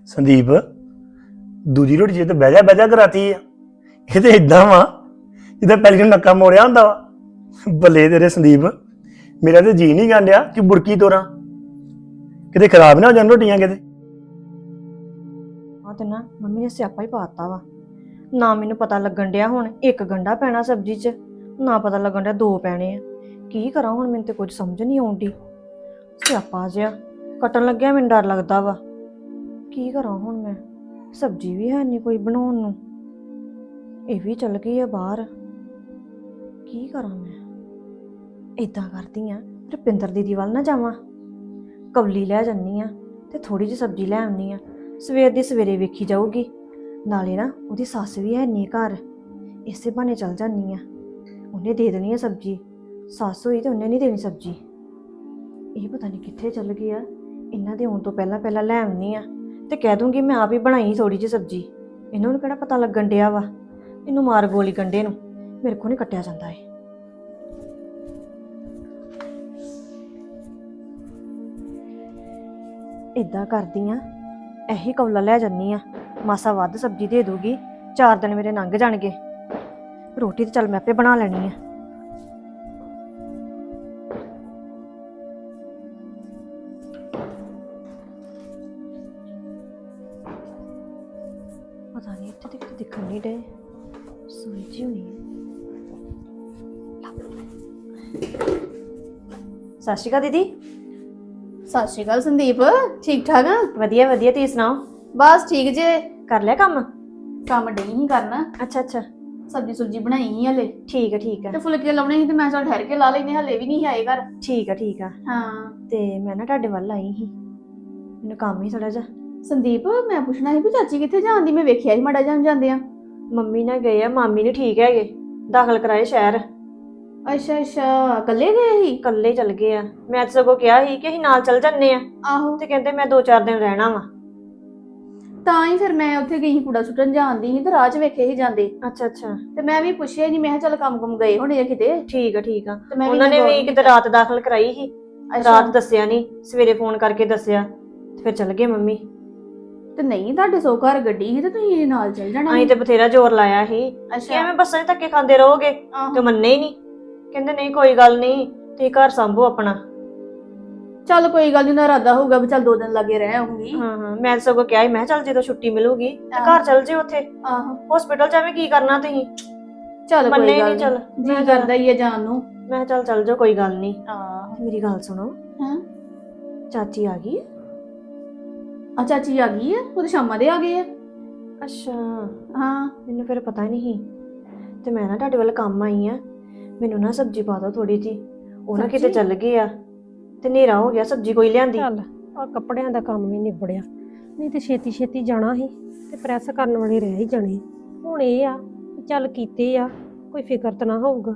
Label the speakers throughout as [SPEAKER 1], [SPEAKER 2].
[SPEAKER 1] ਸੰਦੀਪ ਦੂਜੀ ਰੋਟੀ ਜੇ ਤੇ ਬਹਿ ਜਾ ਕਰਾਤੀ ਆ। ਇਹ ਤੇ ਇਦਾਂ ਵਾ ਜਿੱਦਾਂ ਪਹਿਲੀ ਨੂੰ ਨੱਕਾ ਮੋੜਿਆ ਹੁੰਦਾ ਵਾ। ਬੱਲੇ ਤੇਰੇ ਸੰਦੀਪ, ਮੇਰਾ ਤੇ ਜੀ ਨਹੀਂ ਗਾਂਡਿਆ ਕਿ ਬੁਰਕੀ ਤੋਰਾਂ, ਕਿਤੇ ਖਰਾਬ ਨਾ ਹੋ ਜਾਣ ਰੋਟੀਆਂ ਕਿਤੇ।
[SPEAKER 2] ਆ ਤੇ ਨਾ ਮੰਮੀ ਨੇ ਸਿਆਪਾ ਹੀ ਪਾਤਾ ਵਾ। ਨਾ ਮੈਨੂੰ ਪਤਾ ਲੱਗਣ ਡਿਆ ਹੁਣ ਇੱਕ ਗੰਢਾ ਪੈਣਾ ਸਬਜ਼ੀ 'ਚ, ਨਾ ਪਤਾ ਲੱਗਣ ਡਿਆ ਦੋ ਪੈਣੇ ਆ। ਕੀ ਕਰਾਂ ਹੁਣ, ਮੈਨੂੰ ਤੇ ਕੁਝ ਸਮਝ ਨਹੀਂ ਆਉਂਦੀ। ਸਿਆਪਾ ਜਿਹਾ ਕੱਟਣ ਲੱਗਿਆ ਮੈਨੂੰ ਡਰ ਲੱਗਦਾ ਵਾ। ਕੀ ਕਰਾਂ ਹੁਣ ਮੈਂ, ਸਬਜ਼ੀ ਵੀ ਹੈ ਨਹੀਂ ਕੋਈ ਬਣਾਉਣ ਨੂੰ, ਇਹ ਵੀ ਚੱਲ ਗਈ ਆ ਬਾਹਰ। ਕੀ ਕਰਾਂ ਮੈਂ? ਇਦਾਂ ਕਰਦੀ ਆ, ਰੁਪਿੰਦਰ ਦੀਦੀ ਵੱਲ ਨਾ ਜਾਵਾਂ, ਕਵਲੀ ਲੈ ਜਾਂਦੀ ਆ ਤੇ ਥੋੜੀ ਜਿਹੀ ਸਬਜ਼ੀ ਲੈ ਆਉਂਦੀ ਆ। ਸਵੇਰ ਦੀ ਸਵੇਰੇ ਵੇਖੀ ਜਾਊਗੀ, ਨਾਲੇ ਨਾ ਉਹਦੀ ਸੱਸ ਵੀ ਹੈ ਨਹੀਂ ਘਰ, ਇਸੇ ਬਹਾਨੇ ਚੱਲ ਜਾਂਦੀ ਆ। ਉਹਨੇ ਦੇ ਦੇਣੀ ਆ ਸਬਜ਼ੀ, ਸੱਸ ਹੋਈ ਤੇ ਉਹਨੇ ਨਹੀਂ ਦੇਣੀ ਸਬਜ਼ੀ। ਇਹ ਪਤਾ ਨਹੀਂ ਕਿੱਥੇ ਚੱਲ ਗਈ ਆ। ਇਹਨਾਂ ਦੇ ਆਉਣ ਤੋਂ ਪਹਿਲਾਂ ਲੈ ਆਉਣੀ ਆ ਤੇ ਕਹਿ ਦੂੰਗੀ ਮੈਂ ਆਪ ਹੀ ਬਣਾਈ ਥੋੜੀ ਜਿਹੀ ਸਬਜ਼ੀ। ਇਹਨਾਂ ਨੂੰ ਕਿਹੜਾ ਪਤਾ ਲੱਗਣ ਡਿਆ ਵਾ। ਇਹਨੂੰ ਮਾਰ ਗੋਲੀ ਗੰਢੇ ਨੂੰ, ਮੇਰੇ ਕੋਲ ਨਹੀਂ ਕੱਟਿਆ ਜਾਂਦਾ ਏ। ਇਦਾਂ ਕਰਦੀ ਆ, ਇਹੀ ਕੌਲਾ ਲੈ ਜਾਨੀ ਆ, ਮਾਸਾ ਵੱਧ ਸਬਜ਼ੀ ਦੇ ਦੂਗੀ, 4 ਦਿਨ ਮੇਰੇ ਲੰਘ ਜਾਣਗੇ। ਰੋਟੀ ਤੇ ਚੱਲ ਮੈਂ ਆਪੇ ਬਣਾ ਲੈਣੀ ਆ। ਪਤਾ ਨਹੀਂ ਇੱਥੇ ਤੱਕ ਦਿਖਣ ਨਹੀਂ ਡੇ, ਸੋਈ ਜੀ ਹੋਣੀ ਹੈ। ਸਤਿ ਸ਼੍ਰੀ ਅਕਾਲ ਦੀਦੀ।
[SPEAKER 3] ਸਤਿ ਸ਼੍ਰੀ ਅਕਾਲ ਸੰਦੀਪ, ਠੀਕ ਠਾਕ ਆ?
[SPEAKER 2] ਵਧੀਆ ਵਧੀਆ, ਤੁਸੀਂ ਸੁਣਾਓ?
[SPEAKER 3] ਬਸ ਠੀਕ ਜੇ।
[SPEAKER 2] ਕਰ ਲਿਆ ਕੰਮ?
[SPEAKER 3] ਕੰਮ ਡਈ ਹੀ ਕਰਨਾ।
[SPEAKER 2] ਅੱਛਾ,
[SPEAKER 3] ਸਬਜ਼ੀ ਸੁਬਜੀ ਬਣਾਈ ਹੀ ਹਲੇ।
[SPEAKER 2] ਠੀਕ ਆ
[SPEAKER 3] ਤੇ ਫੁਲਕੇ ਲਾਉਣੇ ਸੀ ਤੇ ਮੈਂ ਚੱਲ ਠਹਿਰ ਕੇ ਲਾ ਲੈਨੇ, ਹਲੇ ਵੀ ਨਹੀਂ ਆਏ ਘਰ।
[SPEAKER 2] ਠੀਕ ਆ।
[SPEAKER 3] ਹਾਂ
[SPEAKER 2] ਤੇ ਮੈਂ ਨਾ ਤੁਹਾਡੇ ਵੱਲ ਆਈ ਸੀ, ਮੈਨੂੰ ਕੰਮ ਹੀ ਥੋੜਾ ਜਿਹਾ।
[SPEAKER 3] ਸੰਦੀਪ, ਮੈਂ ਪੁੱਛਣਾ ਸੀ ਵੀ ਚਾਚੀ ਕਿੱਥੇ ਜਾਂਦੀ? ਮੈਂ ਵੇਖਿਆ ਸੀ ਮਾੜਾ ਜਾਂਦੇ ਆ।
[SPEAKER 2] ਮੰਮੀ ਨਾਲ ਗਏ ਆ, ਮਾਮੀ ਨਹੀਂ ਠੀਕ ਹੈਗੇ, ਦਾਖਲ ਕਰਾਏ ਸ਼ਹਿਰ।
[SPEAKER 3] ਅੱਛਾ, ਇਕੱਲੇ ਗਏ ਸੀ?
[SPEAKER 2] ਇਕੱਲੇ ਚਲ ਗਏ ਆ। ਮੈਂ ਤਾਂ ਸਗੋਂ ਕਿਹਾ ਸੀ ਕਿ ਅਸੀਂ ਨਾਲ ਚੱਲ ਜੰਨੇ ਆ,
[SPEAKER 3] ਆਹੋ।
[SPEAKER 2] ਤੇ ਕਹਿੰਦੇ ਮੈਂ 2-4 ਦਿਨ ਰਹਿਣਾ ਵਾ।
[SPEAKER 3] ਤਾਂ ਹੀ ਫਿਰ ਮੈਂ ਉੱਥੇ ਗਈ ਸੀ, ਕੂੜਾ ਸੁੱਟਣ ਜਾਂਦੀ ਸੀ ਤੇ ਰਾਹ 'ਚ ਵੇਖੇ ਸੀ ਜਾਂਦੇ।
[SPEAKER 2] ਅੱਛਾ
[SPEAKER 3] ਤੇ ਮੈਂ ਵੀ ਪੁੱਛਿਆ ਨਹੀਂ, ਮੈਂ ਕਿਹਾ ਚੱਲ ਕੰਮ ਗਏ ਹੋਣੇ ਆ ਕਿਤੇ।
[SPEAKER 2] ਠੀਕ ਆ।
[SPEAKER 3] ਤੇ ਮੈਂ
[SPEAKER 2] ਉਹਨਾਂ ਨੇ ਵੀ ਕਿਤੇ ਰਾਤ ਦਾਖਲ ਕਰਾਈ ਸੀ, ਰਾਤ ਦੱਸਿਆ ਨਹੀਂ, ਸਵੇਰੇ ਫੋਨ ਕਰਕੇ ਦੱਸਿਆ ਤੇ ਫਿਰ ਚਲ ਗਏ ਮੰਮੀ।
[SPEAKER 3] ਤੇ ਨਹੀਂ, ਤੁਹਾਡੇ ਸੋ ਘਰ ਗੱਡੀ ਸੀ ਤੇ ਤੁਸੀਂ ਨਾਲ ਚੱਲ ਜਾਣਾ।
[SPEAKER 2] ਅਸੀਂ ਤੇ ਬਥੇਰਾ ਜ਼ੋਰ ਲਾਇਆ ਸੀ ਕਿ ਐਵੇਂ ਬੱਸਾਂ 'ਚ ਧੱਕੇ ਖਾਂਦੇ ਰਹੋਗੇ, ਤੇ ਮੰਨੇ ਹੀ ਨਹੀਂ। ਕਹਿੰਦੇ ਨਹੀਂ ਕੋਈ ਗੱਲ ਨਹੀਂ, ਤੁਸੀਂ ਘਰ ਸੰਭੋ ਆਪਣਾ।
[SPEAKER 3] ਚੱਲ ਕੋਈ ਗੱਲ ਨੀ, ਨਾ ਇਰਾਦਾ ਹੋਊਗਾ ਵੀ ਚੱਲ 2 ਦਿਨ ਲੱਗੇ ਰਹਿ ਆਉਂਗੀ।
[SPEAKER 2] ਹਾਂ, ਮੈਂ ਸਗੋਂ ਕਿਹਾ ਸੀ, ਮੈਂ ਚੱਲ ਜਦੋਂ ਛੁੱਟੀ ਮਿਲੂਗੀ ਤੇ ਘਰ ਚੱਲ ਜਿਓ। ਉੱਥੇ
[SPEAKER 3] ਆਹੋ,
[SPEAKER 2] ਹਸਪੀਟਲ 'ਚ ਐਵੇਂ ਕੀ ਕਰਨਾ ਤੁਸੀਂ?
[SPEAKER 3] ਚੱਲ
[SPEAKER 2] ਮੰਨੇ
[SPEAKER 3] ਕੋਈ ਗੱਲ
[SPEAKER 2] ਨੀ। ਚੱਲ
[SPEAKER 3] ਨੀ, ਜੀ ਕਰਦਾ ਹੀ ਆ ਜਾਣ ਨੂੰ।
[SPEAKER 2] ਮੈਂ ਚੱਲ ਜਾਓ, ਕੋਈ ਗੱਲ ਨਹੀਂ।
[SPEAKER 3] ਆਹ,
[SPEAKER 2] ਮੇਰੀ ਗੱਲ ਸੁਣੋ,
[SPEAKER 3] ਹਾਂ,
[SPEAKER 2] ਚਾਚੀ ਆ ਗਈ?
[SPEAKER 3] ਆ ਚਾਚੀ ਆ ਗਈ ਆ, ਉਹ ਤਾਂ ਸ਼ਾਮਾਂ ਦੇ ਆ ਗਏ ਆ।
[SPEAKER 2] ਅੱਛਾ,
[SPEAKER 3] ਹਾਂ,
[SPEAKER 2] ਮੈਨੂੰ ਫਿਰ ਪਤਾ ਨਹੀਂ। ਤੇ ਮੈਂ ਨਾ ਤੁਹਾਡੇ ਵੱਲ ਕੰਮ ਆਈ ਆ, ਮੈਨੂੰ ਨਾ ਸਬਜ਼ੀ ਪਾ ਦਿਓ ਥੋੜੀ ਜੀ। ਉਹ ਨਾ ਕਿਤੇ ਚੱਲ ਗਏ ਆ ਤੇ ਹਨੇਰਾ ਹੋ ਗਿਆ, ਸਬਜ਼ੀ ਕੋਈ ਲਿਆਂਦੀ।
[SPEAKER 4] ਚੱਲ ਆ ਕੱਪੜਿਆਂ ਦਾ ਕੰਮ ਵੀ ਨਿਬੜਿਆ, ਨਹੀਂ ਤੇ ਛੇਤੀ ਜਾਣਾ ਸੀ ਤੇ ਪ੍ਰੈਸ ਕਰਨ ਵਾਲੇ ਰਹਿ ਹੀ ਜਾਣੇ। ਹੁਣ ਇਹ ਆ ਵੀ ਚੱਲ ਕੀਤੇ ਆ, ਕੋਈ ਫਿਕਰ ਤਾਂ ਨਾ ਹੋਊਗਾ।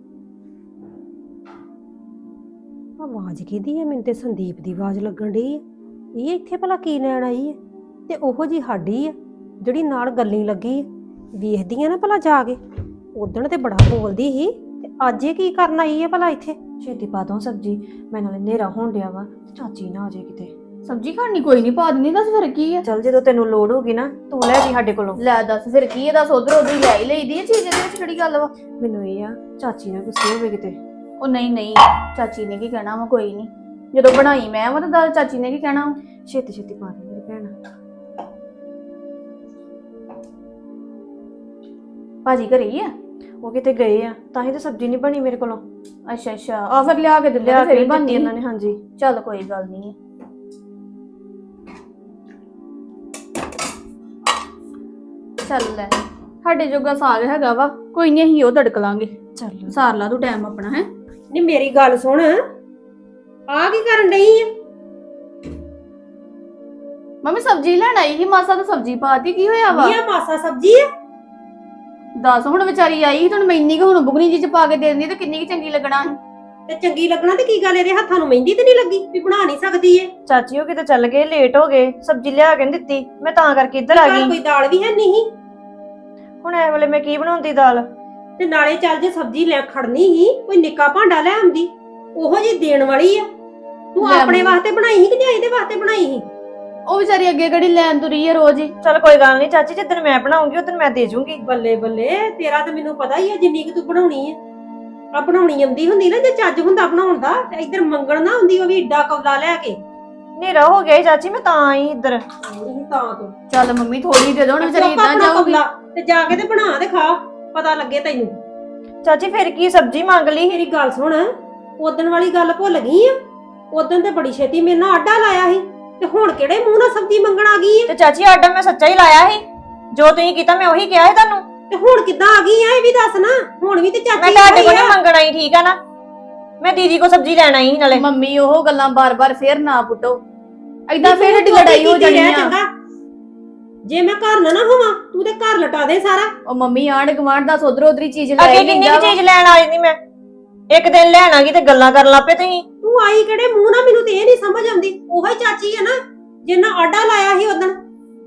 [SPEAKER 4] ਆਵਾਜ਼ ਕਿਹਦੀ ਹੈ? ਮੈਨੂੰ ਤੇ ਸੰਦੀਪ ਦੀ ਆਵਾਜ਼ ਲੱਗਣ ਡਈ ਹੈ। ਇਹ ਇੱਥੇ ਭਲਾ ਕੀ ਲੈਣ ਆਈ ਹੈ? ਤੇ ਉਹੋ ਜੀ ਸਾਡੀ ਆ ਜਿਹੜੀ ਨਾਲ ਗੱਲੀ ਲੱਗੀ ਹੈ। ਵੇਖਦੀ ਆ ਨਾ ਭਲਾ ਜਾ ਕੇ, ਉਦਣ ਤੇ ਬੜਾ ਬੋਲਦੀ ਸੀ, ਤੇ ਅੱਜ ਇਹ ਕੀ ਕਰਨ ਆਈ ਹੈ ਭਲਾ ਇੱਥੇ?
[SPEAKER 2] ਛੇਤੀ ਪਾ ਦੋ ਸਬਜ਼ੀ, ਮੈਂ ਨਾਲੇ ਹਨੇਰਾ ਹੋਣ ਡਿਆ ਵਾ ਤੇ ਚਾਚੀ ਨਾ ਆ ਜਾਏ ਕਿਤੇ।
[SPEAKER 3] ਸਬਜ਼ੀ ਖਾਣੀ ਕੋਈ ਨਹੀਂ, ਪਾ ਦਿੰਦੀ। ਦੱਸ ਫਿਰ ਕੀ ਆ?
[SPEAKER 2] ਚੱਲ ਜਦੋਂ ਤੈਨੂੰ ਲੋੜ ਹੋਗੀ ਨਾ, ਤੂੰ ਲੈ ਜੀ ਸਾਡੇ ਕੋਲੋਂ।
[SPEAKER 3] ਲੈ ਦੱਸ ਫਿਰ ਕੀ ਆ? ਦੱਸ, ਉਧਰ ਉਧਰ ਲੈ ਹੀ ਲਈਦੀ ਆ ਚੀਜ਼, ਇਹਦੇ ਵਿੱਚ ਕਿਹੜੀ ਗੱਲ ਵਾ?
[SPEAKER 2] ਮੈਨੂੰ ਇਹ ਆ ਚਾਚੀ ਨਾਲ ਗੁੱਸੇ ਹੋਵੇ ਕਿਤੇ।
[SPEAKER 3] ਉਹ ਨਹੀਂ, ਚਾਚੀ ਨੇ ਕੀ ਕਹਿਣਾ ਵਾ? ਕੋਈ ਨਹੀਂ, ਜਦੋਂ ਬਣਾਈ ਮੈਂ ਵਾ ਤਾਂ ਚਾਚੀ ਨੇ ਕੀ ਕਹਿਣਾ?
[SPEAKER 2] ਛੇਤੀ ਪਾ ਦੇ ਮੇਰੀ ਭੈਣ।
[SPEAKER 3] ਭਾਜੀ ਘਰੇ ਹੀ ਆ?
[SPEAKER 2] ਉਹ ਕਿਤੇ ਗਏ ਆ, ਤਾਂ ਹੀ ਤਾਂ ਸਬਜ਼ੀ ਨਹੀਂ ਬਣੀ ਮੇਰੇ ਕੋਲੋਂ।
[SPEAKER 3] ਅੱਛਾ, ਆ ਫਿਰ ਲਿਆ ਕੇ ਦਿੰਦੇ ਫਿਰ ਹੀ ਬਣਦੀ
[SPEAKER 2] ਇਹਨਾਂ ਨੇ। ਹਾਂਜੀ,
[SPEAKER 3] ਚੱਲ ਕੋਈ ਗੱਲ ਨਹੀਂ। ਚੱਲ ਲੈ, ਸਾਡੇ ਜੋਗਾ ਸਾਗ ਹੈਗਾ ਵਾ, ਕੋਈ ਨਹੀਂ, ਅਸੀਂ ਉਹ ਤੜਕ ਲਾਂਗੇ।
[SPEAKER 2] ਚੱਲ
[SPEAKER 3] ਸਾਰ ਲਾ ਤੂੰ ਟਾਈਮ ਆਪਣਾ। ਹੈ
[SPEAKER 4] ਨਹੀਂ ਮੇਰੀ ਗੱਲ ਸੁਣ, ਆ ਕੀ ਕਰਨ ਡਈ ਆ?
[SPEAKER 3] ਮੰਮੀ ਸਬਜ਼ੀ ਲੈਣ ਆਈ ਸੀ, ਮਾਸਾ ਤਾਂ ਸਬਜ਼ੀ ਪਾਤੀ, ਕੀ ਹੋਇਆ ਵਾ?
[SPEAKER 4] ਇਹ ਮਾਸਾ ਸਬਜ਼ੀ ਆ?
[SPEAKER 3] ਦੱਸ, ਹੁਣ ਵਿਚਾਰੀ ਆਈ ਸੀ, ਤੁਹਾਨੂੰ ਮੈਂ ਇੰਨੀ ਕੁ ਹੁਣ ਬੁਗਣੀ ਜੀ ਚ ਪਾ ਕੇ ਦੇ ਦਿੰਦੀ ਤੇ ਕਿੰਨੀ ਕੁ ਚੰਗੀ ਲੱਗਣਾ ਸੀ।
[SPEAKER 4] ਤੇ ਚੰਗੀ ਲੱਗਣਾ ਤੇ ਕੀ ਗੱਲ, ਇਹਦੇ ਹੱਥਾਂ ਨੂੰ ਮਹਿੰਦੀ ਤੇ ਨਹੀਂ ਲੱਗੀ ਵੀ ਬਣਾ ਨਹੀਂ ਸਕਦੀ ਏ?
[SPEAKER 2] ਚਾਚੀ ਉਹ ਕਿਤੇ ਚੱਲ ਗਏ, ਲੇਟ ਹੋ ਗਏ, ਸਬਜ਼ੀ ਲਿਆ ਕੇ ਨੀ ਦਿੱਤੀ, ਮੈਂ ਤਾਂ ਕਰਕੇ ਇੱਧਰ ਆ
[SPEAKER 4] ਘਰ
[SPEAKER 2] ਗਈ।
[SPEAKER 4] ਕੋਈ ਦਾਲ ਵੀ ਹੈ ਨਹੀਂ,
[SPEAKER 2] ਹੁਣ ਇਹ ਵੇਲੇ ਮੈਂ ਕੀ ਬਣਾਉਂਦੀ ਦਾਲ?
[SPEAKER 4] ਤੇ ਨਾਲੇ ਚੱਲ ਜੇ ਸਬਜ਼ੀ ਲੈ ਖੜਨੀ ਹੀ, ਕੋਈ ਨਿੱਕਾ ਭਾਂਡਾ ਲੈ ਆਉਂਦੀ, ਉਹੋ ਜੀ ਦੇਣ ਵਾਲੀ ਆ। ਤੂੰ
[SPEAKER 3] ਲੈ
[SPEAKER 4] ਆਪਣੇ
[SPEAKER 3] ਮੰਮੀ।
[SPEAKER 4] ਵਾਸਤੇ ਬਣਾਈ ਸੀ ਕਿ ਜਾਂ ਇਹਦੇ ਵਾਸਤੇ ਬਣਾਈ ਸੀ?
[SPEAKER 3] ਉਹ ਵਿਚਾਰੀ ਅੱਗੇ ਕਿਹੜੀ ਲੈਣ ਤੁਰੀ ਆ ਰੋਜ਼ ਹੀ।
[SPEAKER 2] ਚਲ ਕੋਈ ਗੱਲ ਨਹੀਂ ਚਾਚੀ, ਜਿੱਦਣ ਮੈਂ ਬਣਾਉਂਗੀ ਉਦੋਂ ਮੈਂ ਦੇ ਜੂੰਗੀ।
[SPEAKER 4] ਬੱਲੇ ਬੱਲੇ, ਤੇਰਾ ਤਾਂ ਮੈਨੂੰ ਪਤਾ ਹੀ ਆ ਜਿੰਨੀ ਕਿ ਤੂੰ ਬਣਾਉਣੀ ਆ। ਆ ਬਣਾਉਣੀ ਆਉਂਦੀ ਹੁੰਦੀ ਨਾ, ਜੇ ਚੱਜ ਹੁੰਦਾ ਬਣਾਉਣ ਦਾ ਤੇ ਇੱਧਰ ਮੰਗਣ ਨਾ ਹੁੰਦੀ ਉਹ ਵੀ ਏਡਾ ਕੌਲਾ ਲੈ ਕੇ।
[SPEAKER 2] ਹਨੇਰਾ ਹੋ ਗਿਆ ਈ ਚਾਚੀ, ਮੈਂ ਤਾਂ ਆਈ ਇੱਧਰ।
[SPEAKER 4] ਨਹੀਂ ਤਾਂ ਤੂੰ
[SPEAKER 3] ਚੱਲ ਮੰਮੀ ਥੋੜੀ ਦੇ ਦੋ ਹੁਣ, ਵਿਚਾਰੀ
[SPEAKER 4] ਚੁੱਕ
[SPEAKER 3] ਇਦਾਂ
[SPEAKER 4] ਆਪਣਾ
[SPEAKER 3] ਜਾਊਗੀ।
[SPEAKER 4] ਕੌਲਾ ਤੇ ਜਾ ਕੇ ਤੇ ਬਣਾ ਤੇ ਖਾ, ਪਤਾ ਲੱਗੇ ਤੈਨੂੰ।
[SPEAKER 2] ਚਾਚੀ ਫਿਰ ਕੀ ਸਬਜ਼ੀ ਮੰਗ ਲਈ?
[SPEAKER 4] ਮੇਰੀ ਗੱਲ ਸੁਣ, ਉਦਣ ਵਾਲੀ ਗੱਲ ਭੁੱਲ ਗਈ ਆ? ਉਦਣ ਤੇ ਬੜੀ ਛੇਤੀ ਮੇਰੇ ਨਾਲ ਆਡਾ ਲਾਇਆ ਸੀ, ਤੇ ਹੁਣ ਕਿਹੜੇ ਮੂੰਹ ਨਾਲ ਸਬਜ਼ੀ ਮੰਗਣ ਆ ਗਈ ਆ?
[SPEAKER 2] ਤੇ ਚਾਚੀ ਆਰਡਰ ਮੈਂ ਸੱਚਾ ਹੀ ਲਾਇਆ ਸੀ, ਜੋ ਤੁਸੀਂ ਕੀਤਾ ਮੈਂ ਉਹੀ ਕਿਹਾ ਸੀ ਤੁਹਾਨੂੰ।
[SPEAKER 4] ਤੇ ਹੁਣ ਕਿੱਦਾਂ ਆ ਗਈ ਆ ਇਹ ਵੀ ਦੱਸ ਨਾ। ਹੁਣ ਵੀ ਤੇ
[SPEAKER 2] ਮੈਂ
[SPEAKER 4] ਚਾਚੀ
[SPEAKER 2] ਤੁਹਾਡੇ ਕੋਲ
[SPEAKER 4] ਹੋਈ ਆ।
[SPEAKER 2] ਨਹੀਂ ਮੰਗਣ ਆਈ, ਠੀਕ ਆ ਨਾ? ਮੈਂ ਦੀਦੀ ਕੋ ਸਬਜ਼ੀ ਲੈਣ ਆਈ ਸੀ ਨਾਲੇ।
[SPEAKER 3] ਮੰਮੀ ਉਹ ਗੱਲਾਂ ਬਾਰ-ਬਾਰ ਫੇਰ ਨਾ ਪੁੱਟੋ, ਏਦਾਂ
[SPEAKER 4] ਨਹੀਂ,
[SPEAKER 3] ਫੇਰ
[SPEAKER 4] ਤੂੰ
[SPEAKER 3] ਏਡੀ ਲੜਾਈ ਹੋ
[SPEAKER 4] ਕੀਤੀ
[SPEAKER 3] ਜਾਣੀ
[SPEAKER 4] ਰਹਿ
[SPEAKER 3] ਆ।
[SPEAKER 4] ਚੰਗਾ। ਜੇ ਮੈਂ ਘਰ ਨਾ ਹੋਵਾਂ ਤੂੰ ਤੇ ਘਰ ਲਟਾ ਦੇ ਸਾਰਾ।
[SPEAKER 3] ਉਹ ਮੰਮੀ ਆਂਢ ਗੁਆਂਢ ਦਾ ਉਧਰੋਂ ਉਧਰੀ ਚੀਜ਼ ਲੈ
[SPEAKER 2] ਅੱਗੇ ਕਿੰਨੀ ਕੁ ਚੀਜ਼ ਲੈਣ ਆ ਜਾਂਦੀ ਮੈਂ, ਇੱਕ ਦਿਨ ਲੈਣ ਆ ਗਈ ਤੇ ਗੱਲਾਂ ਕਰਨ ਲੱਪੇ ਤੁਸੀਂ।
[SPEAKER 4] ਤੂੰ ਆਈ ਕਿਹੜੇ ਮੂੰਹ ਨਾਲ, ਮੈਨੂੰ ਤੇ ਇਹ ਨਹੀਂ ਸਮਝ ਆਉਂਦੀ। ਉਹੀ ਚਾਚੀ ਹੈ ਨਾ ਜਿੰਨਾ ਆਡਾ ਲਾਇਆ ਸੀ ਉਦਣ।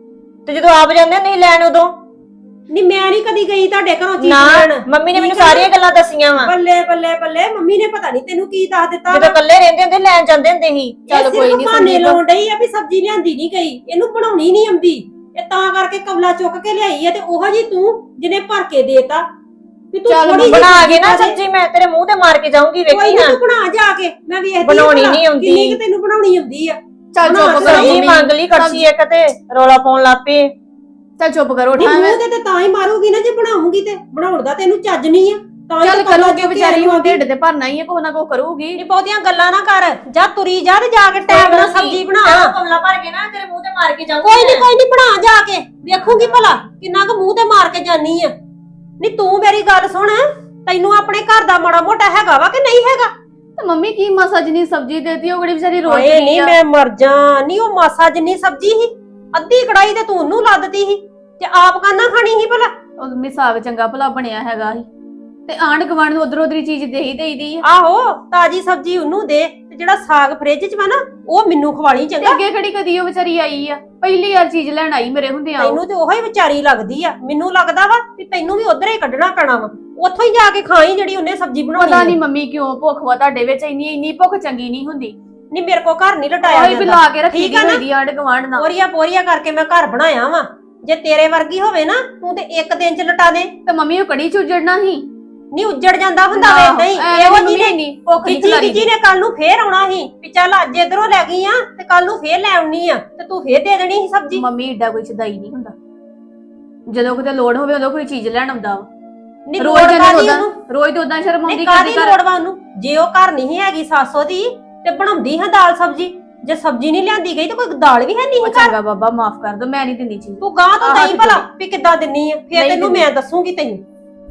[SPEAKER 2] ਤੇ ਜਦੋਂ ਆਪ ਜਾਂਦੇ ਨਹੀਂ ਲੈਣ ਉਦੋਂ?
[SPEAKER 4] ਨਹੀਂ ਮੈਂ ਨਹੀਂ ਕਦੀ ਗਈ ਤੁਹਾਡੇ ਘਰੋਂ ਚੀਜ਼
[SPEAKER 2] ਨਾ,
[SPEAKER 4] ਲੈਣ।
[SPEAKER 2] ਮੰਮੀ ਨੇ ਮੈਨੂੰ
[SPEAKER 4] ਠੀਕ ਆ ਨਾ?
[SPEAKER 2] ਸਾਰੀਆਂ ਗੱਲਾਂ ਦੱਸੀਆਂ ਵਾ।
[SPEAKER 4] ਬੱਲੇ ਬੱਲੇ ਬੱਲੇ, ਮੰਮੀ ਨੇ ਪਤਾ ਨਹੀਂ ਤੈਨੂੰ ਕੀ ਦੱਸ ਦਿੱਤਾ।
[SPEAKER 2] ਜਦੋਂ ਇਕੱਲੇ ਰਹਿੰਦੇ ਹੁੰਦੇ ਲੈਣ ਜਾਂਦੇ ਹੁੰਦੇ ਸੀ।
[SPEAKER 3] ਚੱਲ ਕੋਈ ਨਹੀਂ
[SPEAKER 4] ਭਾਨੇ
[SPEAKER 3] ਸੰਦੀਪ,
[SPEAKER 4] ਲਾਉਣ ਡਈ ਆ ਵੀ ਸਬਜ਼ੀ ਲਿਆਂਦੀ ਨਹੀਂ ਗਈ, ਇਹਨੂੰ ਬਣਾਉਣੀ ਨਹੀਂ ਆਉਂਦੀ। ਇਹ ਤਾਂ ਕਰਕੇ ਕਵਲਾ ਚੁੱਕ ਕੇ ਲਿਆਈ ਆ, ਤੇ ਉਹੋ ਜੀ ਤੂੰ ਜਿਹਨੇ ਭਰ ਕੇ ਦੇਤਾ ਵੀ ਤੂੰ
[SPEAKER 3] ਚੱਲ
[SPEAKER 4] ਥੋੜੀ ਜਿਹੀ
[SPEAKER 2] ਬਣਾ ਕੇ ਨਾ
[SPEAKER 4] ਪਾ ਦੇ।
[SPEAKER 2] ਸਬਜ਼ੀ ਮੈਂ ਤੇਰੇ ਮੂੰਹ ਤੇ ਮਾਰ ਕੇ ਜਾਊਂਗੀ,
[SPEAKER 4] ਕੋਈ
[SPEAKER 2] ਵੇਖੀ
[SPEAKER 4] ਨੀ,
[SPEAKER 2] ਨਾ।
[SPEAKER 4] ਤੂੰ ਬਣਾ ਜਾ ਕੇ, ਮੈਂ ਵੇਖਦੀ ਆ
[SPEAKER 2] ਬਣਾਉਣੀ
[SPEAKER 4] ਭਲਾ
[SPEAKER 2] ਨਹੀਂ ਆਉਂਦੀ।
[SPEAKER 4] ਕਿੰਨੀ ਕੁ ਤੈਨੂੰ ਬਣਾਉਣੀ ਆਉਂਦੀ ਆ।
[SPEAKER 3] ਚੱਲ
[SPEAKER 4] ਬਣਾ
[SPEAKER 3] ਚੁੱਪ
[SPEAKER 4] ਕੇ
[SPEAKER 3] ਕਰੋ
[SPEAKER 2] ਸਬਜ਼ੀ
[SPEAKER 3] ਮੰਮੀ,
[SPEAKER 2] ਮੰਗ ਲਈ ਕੜਛੀ ਇੱਕ ਤੇ ਰੋਲਾ ਪਾਉਣ ਲੱਪੇ।
[SPEAKER 3] ਚੱਲ ਚੁੱਪ ਕਰੋ
[SPEAKER 4] ਨਹੀਂ
[SPEAKER 3] ਠਾਂ।
[SPEAKER 4] ਮੂੰਹ ਤੇ ਤਾਂ ਹੀ ਮਾਰੂਗੀ ਨਾ ਜੇ ਬਣਾਉਂਗੀ, ਤੇ ਬਣਾਉਣ ਦਾ ਤੈਨੂੰ ਚੱਜ ਨਹੀਂ ਆ। ਤਾਂ ਹੀ
[SPEAKER 3] ਚੱਲ
[SPEAKER 4] ਤਾਂ ਕਵਲਾ
[SPEAKER 3] ਕਰੋਗੇ
[SPEAKER 4] ਚੁੱਕ ਕੇ
[SPEAKER 3] ਵਿਚਾਰੀ, ਹੁਣ
[SPEAKER 4] ਆਉਂਦੀ।
[SPEAKER 3] ਢਿੱਡ ਤੇ ਭਰਨਾ ਹੀ ਹੈ, ਕੋਈ ਨਾ ਕੋਈ ਕਰੂਗੀ।
[SPEAKER 4] ਨੀ ਬਹੁਤੀਆਂ ਗੱਲਾਂ ਨਾ ਕਰ, ਜਾ ਤੁਰੀ ਜਾ ਤੇ ਜਾ ਕੇ ਟਾਈਮ ਨਾਲ ਸਬਜ਼ੀ ਬਣਾ।
[SPEAKER 2] ਕਮਲਾ ਭਰ ਕੇ ਨਾ ਤੇਰੇ ਮੂੰਹ ਤੇ ਮਾਰ ਕੇ ਜਾਊਂਗੀ।
[SPEAKER 4] ਕੋਈ ਨਹੀਂ ਬਣਾ ਜਾ ਕੇ, ਵੇਖੂਗੀ ਭਲਾ ਕਿੰਨਾ ਕੁ ਮੂੰਹ ਤੇ ਮਾਰ ਕੇ ਜਾਨੀ ਆ। ਨਹੀਂ ਤੂੰ ਮੇਰੀ ਗੱਲ ਸੁਣ, ਤੈਨੂੰ ਆਪਣੇ ਘਰ ਦਾ ਮਾੜਾ ਮੋਟਾ ਹੈਗਾ ਵਾ ਕਿ ਨਹੀਂ ਹੈਗਾ?
[SPEAKER 3] ਤੇ ਮੰਮੀ ਕੀ ਮਾਸਾ ਜਿੰਨੀ ਸਬਜ਼ੀ ਦੇਤੀ, ਉਹ ਕਿਹੜੀ ਵਿਚਾਰੀ ਰੋਜ਼
[SPEAKER 4] ਓਏ
[SPEAKER 3] ਦੀ
[SPEAKER 4] ਨਹੀਂ
[SPEAKER 3] ਆ।
[SPEAKER 4] ਮੈਂ ਮਰ ਜਾ। ਨਹੀਂ ਉਹ ਮਾਸਾ ਜਿੰਨੀ ਸਬਜ਼ੀ ਸੀ, ਅੱਧੀ ਕੜਾਈ ਤੇ ਤੂੰ ਉਹਨੂੰ ਲੱਦਤੀ ਸੀ, ਤੇ ਆਪ ਕਾਨਾ ਖਾਣੀ ਸੀ ਭਲਾ?
[SPEAKER 3] ਉਹ ਮੰਮੀ ਸਾਗ ਚੰਗਾ ਭਲਾ ਬਣਿਆ ਹੈਗਾ ਸੀ, ਤੇ ਆਂਢ ਗੁਆਂਢ ਨੂੰ ਉਧਰ ਉਧਰੀ ਚੀਜ਼ ਦੇਈ ਦੇਈਦੀ ਆ।
[SPEAKER 4] ਆਹੋ ਤਾਜੀ ਸਬਜ਼ੀ ਉਹਨੂੰ ਦੇ, ਤੇ ਜਿਹੜਾ ਸਾਗ ਫ੍ਰਿਜ 'ਚ ਵਾ ਨਾ ਉਹ ਮੈਨੂੰ ਖਵਾਲੀ
[SPEAKER 3] ਤੇ
[SPEAKER 4] ਚੰਗਾ।
[SPEAKER 3] ਅੱਗੇ ਕਿਹੜੀ ਕਦੀ ਉਹ ਵਿਚਾਰੀ ਆਈ ਆ, ਪਹਿਲੀ ਵਾਰ ਚੀਜ਼ ਲੈਣ ਆਈ ਮੇਰੇ ਹੁੰਦੇ ਆ।
[SPEAKER 4] ਤੈਨੂੰ ਤੇ ਉਹੀ ਵਿਚਾਰੀ ਲੱਗਦੀ ਆ, ਮੈਨੂੰ ਲੱਗਦਾ ਵਾ ਵੀ ਤੈਨੂੰ ਵੀ ਉਧਰ ਹੀ ਕੱਢਣਾ ਪੈਣਾ ਵਾ। ਉੱਥੋਂ ਹੀ ਜਾ ਕੇ ਖਾਈ ਜਿਹੜੀ ਉਹਨੇ ਸਬਜ਼ੀ ਬਣਾਉਣੀ
[SPEAKER 3] ਪਤਾ
[SPEAKER 4] ਆ।
[SPEAKER 3] ਨਹੀਂ ਮੰਮੀ ਕਿਉਂ ਭੁੱਖ ਵਾ ਤੁਹਾਡੇ ਵਿੱਚ, ਇੰਨੀ ਭੁੱਖ ਚੰਗੀ ਨਹੀਂ ਹੁੰਦੀ।
[SPEAKER 4] ਨਹੀਂ ਮੇਰੇ ਕੋ ਘਰ ਨਹੀਂ ਲਟਾਇਆ
[SPEAKER 3] ਉਹੀ ਵੀ ਲਾ ਕੇ ਰੱਖੀ
[SPEAKER 4] ਠੀਕ ਆ ਨਾ?
[SPEAKER 3] ਹੋਈ ਆਂਢ ਗੁਆਂਢ ਨਾਲ।
[SPEAKER 4] ਪੋਰੀਆਂ ਪੋਰੀਆਂ ਕਰਕੇ ਮੈਂ ਘਰ ਬਣਾਇਆ ਵਾ। ਜੇ ਤੇਰੇ ਵਰਗੀ ਹੋਵੇ ਨਾ ਤੂੰ ਤੇ ਇੱਕ ਦਿਨ 'ਚ ਲਟਾ ਦੇ।
[SPEAKER 3] ਤੇ ਮੰਮੀ ਉਹ ਕੜੀ ਚੁੱਜੜਨਾ ਸੀ।
[SPEAKER 4] ਨਹੀਂ ਉੱਜੜ ਜਾਂਦਾ ਹੁੰਦਾ ਵੇ, ਨਹੀਂ ਇਹੋ ਜੀ ਨੇ
[SPEAKER 3] ਨਹੀਂ ਭੁੱਖ ਨਹੀਂ
[SPEAKER 4] ਜੀ
[SPEAKER 3] ਖਲਾਰੀ
[SPEAKER 4] ਜੀ ਨੇ ਕੱਲ ਨੂੰ ਫੇਰ ਆਉਣਾ ਸੀ ਵੀ ਚੱਲ ਅੱਜ ਇਧਰੋਂ ਲੈ ਗਈ ਆ ਤੇ ਕੱਲ ਨੂੰ ਫੇਰ ਲੈ ਆਉਣੀ ਆ, ਤੇ ਤੂੰ ਫੇਰ ਦੇ ਦੇਣੀ ਸੀ ਸਬਜ਼ੀ।
[SPEAKER 3] ਮੰਮੀ ਏਡਾ ਕੋਈ ਛਦਾਈ ਨਹੀਂ ਹੁੰਦਾ, ਜਦੋਂ ਕਿਤੇ ਲੋੜ ਹੋਵੇ ਉਦੋਂ ਕੋਈ ਚੀਜ਼ ਲੈਣ ਆਉਂਦਾ ਵਾ।
[SPEAKER 4] ਨਹੀਂ
[SPEAKER 3] ਰੋਜ਼
[SPEAKER 4] ਲੋੜ
[SPEAKER 3] ਇਹਨੂੰ
[SPEAKER 4] ਕਾਦੀ
[SPEAKER 3] ਉਦਾਂ
[SPEAKER 4] ਉਹਨੂੰ?
[SPEAKER 3] ਰੋਜ਼ ਤੇ ਉਦਾਂ ਸ਼ਰਮ ਆਉਂਦੀ
[SPEAKER 4] ਨਹੀਂ
[SPEAKER 3] ਕਦੀ
[SPEAKER 4] ਕਾਦੀ
[SPEAKER 3] ਘਰ।
[SPEAKER 4] ਲੋੜ ਵਾ ਉਹਨੂੰ? ਜੇ ਉਹ ਘਰ ਨਹੀਂ ਹੈਗੀ ਸਾਸੋ ਦੀ ਤੇ ਬਣਾਉਂਦੀ ਹਾਂ ਦਾਲ ਸਬਜ਼ੀ। ਜੇ ਸਬਜ਼ੀ ਨਹੀਂ ਲਿਆਂਦੀ ਗਈ ਤਾਂ ਕੋਈ ਦਾਲ ਵੀ ਹੈ ਨਹੀਂ
[SPEAKER 3] ਉਹ
[SPEAKER 4] ਘਰ।
[SPEAKER 3] ਚੰਗਾ ਬਾਬਾ ਮਾਫ ਕਰ ਦੋ, ਮੈਂ ਨਹੀਂ ਦਿੰਦੀ ਚੀਜ਼।
[SPEAKER 4] ਤੂੰ ਗਾਂ ਤੋਂ
[SPEAKER 3] ਆਹ
[SPEAKER 4] ਨਹੀਂ
[SPEAKER 3] ਹੱਥ
[SPEAKER 4] ਭਲਾ
[SPEAKER 3] ਜੋੜੀ।
[SPEAKER 4] ਵੀ ਕਿੱਦਾਂ ਦਿੰਨੀ ਆ, ਫੇਰ
[SPEAKER 3] ਨਹੀਂ
[SPEAKER 4] ਤੈਨੂੰ
[SPEAKER 3] ਦਿੰਦੀ।
[SPEAKER 4] ਮੈਂ ਦੱਸੂਗੀ ਤੈਨੂੰ।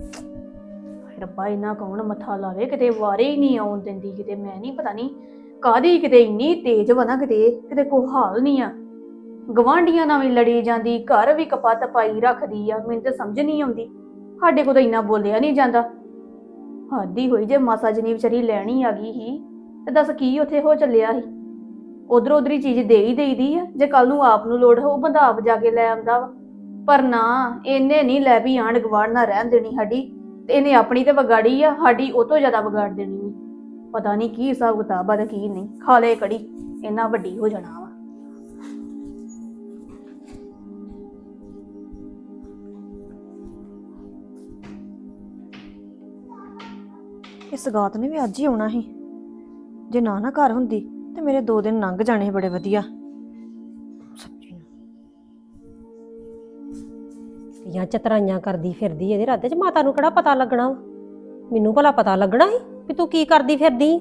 [SPEAKER 3] ਰੱਬਾ ਇਹਨਾਂ ਕੌਣ ਮੱਥਾ ਲਾਵੇ, ਕਿਤੇ ਵਾਰੇ ਹੀ ਨਹੀਂ ਆਉਣ ਦਿੰਦੀ, ਕਿਤੇ ਮੈਂ ਨਹੀਂ ਪਤਾ ਨਹੀਂ ਕਾਦੀ, ਕਿਤੇ ਇੰਨੀ ਤੇਜ਼ ਵਾ ਨਾ, ਕਿਤੇ ਕੋਈ ਹਾਲ ਨਹੀਂ ਆ। ਗਵਾਂਢੀਆਂ ਨਾਲ ਵੀ ਲੜੀ ਜਾਂਦੀ, ਘਰ ਵੀ ਕਪੱਤ ਪਾਈ ਰੱਖਦੀ ਆ, ਮੈਨੂੰ ਤਾਂ ਸਮਝ ਨਹੀਂ ਆਉਂਦੀ। ਸਾਡੇ ਕੋਲ ਤਾਂ ਇੰਨਾ ਬੋਲਿਆ ਨਹੀਂ ਜਾਂਦਾ। ਹੱਦ ਹੀ ਹੋਈ, ਜੇ ਮਾਸਾ ਜਨੀ ਵਿਚਾਰੀ ਲੈਣੀ ਆ ਗਈ ਸੀ ਤੇ ਦੱਸ ਕੀ ਉੱਥੇ ਹੋ ਚੱਲਿਆ ਸੀ। ਉਧਰ ਉਧਰੀ ਚੀਜ਼ ਦੇ ਹੀ ਦੇਈਦੀ ਆ, ਜੇ ਕੱਲ ਨੂੰ ਆਪ ਨੂੰ ਲੋੜ ਹੋ ਬੰਦਾ ਆਪ ਜਾ ਕੇ ਲੈ ਆਉਂਦਾ ਵਾ। ਪਰ ਨਾ, ਇਹਨੇ ਨਹੀਂ ਲੈ ਵੀ ਆਂਢ ਗੁਆਂਢ ਨਾ ਰਹਿਣ ਦੇਣੀ ਸਾਡੀ, ਤੇ ਇਹਨੇ ਆਪਣੀ ਤੇ ਵਿਗਾੜੀ ਆ, ਸਾਡੀ ਉਹ ਤੋਂ ਜ਼ਿਆਦਾ ਵਿਗਾੜ ਦੇਣੀ ਆ। ਪਤਾ ਨਹੀਂ ਕੀ ਹਿਸਾਬ ਕਿਤਾਬ ਆ ਤੇ ਕੀ ਨਹੀਂ। ਖਾ ਲੈ ਕੜੀ, ਇੰਨਾ ਵੱਡੀ ਹੋ ਜਾਣਾ ਵਾ।
[SPEAKER 2] ਇਸ ਗਾਤ ਨੇ ਵੀ ਅੱਜ ਹੀ ਆਉਣਾ ਸੀ, ਜੇ ਨਾ ਘਰ ਹੁੰਦੀ ਤੇ ਮੇਰੇ 2 ਦਿਨ ਲੰਘ ਜਾਣੇ ਸੀ ਬੜੇ ਵਧੀਆ। ਸਬਜ਼ੀ
[SPEAKER 4] ਜਾਂ ਚਤਰਾਈਆਂ ਕਰਦੀ ਫਿਰਦੀ ਇਹਦੇ ਰਾਤੇ 'ਚ, ਮਾਤਾ ਨੂੰ ਕਿਹੜਾ ਪਤਾ ਲੱਗਣਾ ਵਾ? ਮੈਨੂੰ ਭਲਾ ਪਤਾ ਲੱਗਣਾ ਸੀ ਵੀ ਤੂੰ ਕੀ ਕਰਦੀ ਫਿਰਦੀ?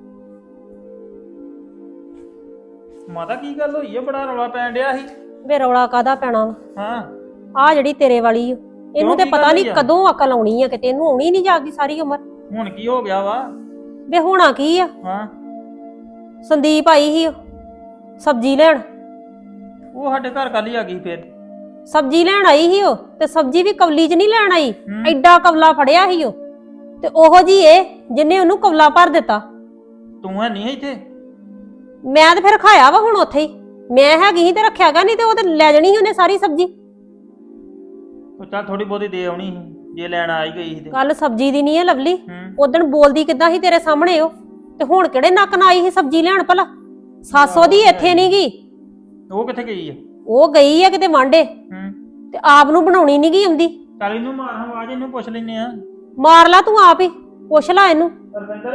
[SPEAKER 5] ਮਾਤਾ ਕੀ ਗੱਲ ਹੋਈ ਆ, ਬੜਾ ਰੌਲਾ ਪੈਣ ਡਿਆ ਸੀ।
[SPEAKER 4] ਵੇ ਰੌਲਾ ਕਾਦਾ ਪੈਣਾ ਵਾ?
[SPEAKER 5] ਹਾਂ
[SPEAKER 4] ਆ ਜਿਹੜੀ ਤੇਰੇ ਵਾਲੀ ਓ, ਇਹਨੂੰ ਤੇ
[SPEAKER 5] ਕੀ
[SPEAKER 4] ਪਤਾ
[SPEAKER 5] ਗੱਲ
[SPEAKER 4] ਨਹੀਂ
[SPEAKER 5] ਹੋਈ ਆ?
[SPEAKER 4] ਕਦੋਂ ਅਕਲ ਆਉਣੀ ਆ, ਕਿਤੇ ਇਹਨੂੰ ਆਉਣੀ ਨਹੀਂ ਜਾਗਦੀ ਸਾਰੀ ਉਮਰ।
[SPEAKER 5] ਹੁਣ ਕੀ ਹੋ ਗਿਆ ਵਾ?
[SPEAKER 4] ਵੇ ਹੋਣਾ ਕੀ ਆ?
[SPEAKER 5] ਹਾਂ
[SPEAKER 4] ਸੰਦੀਪ ਆਈ ਸੀ ਓ ਸਬਜ਼ੀ ਲੈਣ।
[SPEAKER 5] ਉਹ ਸਾਡੇ ਘਰ ਕੱਲ ਹੀ ਆ ਗਈ ਫੇਰ।
[SPEAKER 4] ਸਬਜ਼ੀ ਲੈਣ ਆਈ ਸੀ ਉਹ, ਤੇ ਸਬਜ਼ੀ ਵੀ ਕਵਲੀ 'ਚ ਨਹੀਂ ਲੈਣ ਆਈ,
[SPEAKER 5] ਹੂੰ।
[SPEAKER 4] ਐਡਾ ਕਵਲਾ ਫੜਿਆ ਸੀ ਉਹ, ਤੇ ਉਹੋ ਜੀ ਇਹ ਜਿੰਨੇ ਉਹਨੂੰ ਕਵਲਾ ਭਰ ਦਿੱਤਾ।
[SPEAKER 5] ਤੂੰ ਹੈ ਨਹੀਂ ਇੱਥੇ?
[SPEAKER 4] ਮੈਂ ਤੇ ਫਿਰ ਖਾਇਆ ਵਾ ਹੁਣ ਉੱਥੇ ਹੀ, ਮੈਂ ਹੈਗੀ ਸੀ ਤੇ ਰੱਖਿਆਗਾ, ਨਹੀਂ ਤੇ ਉਹ ਤੇ ਲੈ ਜਾਣੀ ਸੀ ਉਹਨੇ ਸਾਰੀ ਸਬਜ਼ੀ।
[SPEAKER 5] ਉਹ ਚੱਲ ਥੋੜੀ ਬਹੁਤੀ ਦੇ ਆਉਣੀ ਸੀ ਜੇ ਲੈਣ ਆਈ ਗਈ ਸੀ ਤੇ।
[SPEAKER 4] ਕੱਲ ਸਬਜ਼ੀ ਦੀ ਨਹੀਂ ਹੈ ਲਵਲੀ,
[SPEAKER 5] ਹੂੰ
[SPEAKER 4] ਉਦਣ ਬੋਲਦੀ ਕਿੱਦਾਂ ਸੀ ਤੇਰੇ ਸਾਹਮਣੇ ਉਹ, ਤੇ ਹੁਣ ਕਿਹੜੇ ਨੱਕ ਨਾਲ ਆਈ ਸੀ ਸਬਜ਼ੀ ਲੈਣ ਭਲਾ? ਸਾਸੋ ਦੀ ਇੱਥੇ ਨਹੀਂ ਗਈ।
[SPEAKER 5] ਉਹ ਕਿੱਥੇ ਗਈ ਆ?
[SPEAKER 4] ਉਹ ਗਈ ਆ ਕਿਤੇ ਵਾਂਡੇ
[SPEAKER 5] ਹੂੰ,
[SPEAKER 4] ਤੇ ਆਪ ਨੂੰ ਬਣਾਉਣੀ ਨਹੀਂ ਗਈ ਆਉਂਦੀ।
[SPEAKER 5] ਚੱਲ ਇਹਨੂੰ ਮਾਰ ਹਾਂ ਆਵਾਜ਼, ਇਹਨੂੰ ਪੁੱਛ ਲੈਨੇ ਆ।
[SPEAKER 4] ਮਾਰ ਲਾ ਤੂੰ ਆਪ ਹੀ, ਪੁੱਛ ਲਾ ਇਹਨੂੰ।
[SPEAKER 5] ਰਵਿੰਦਰ,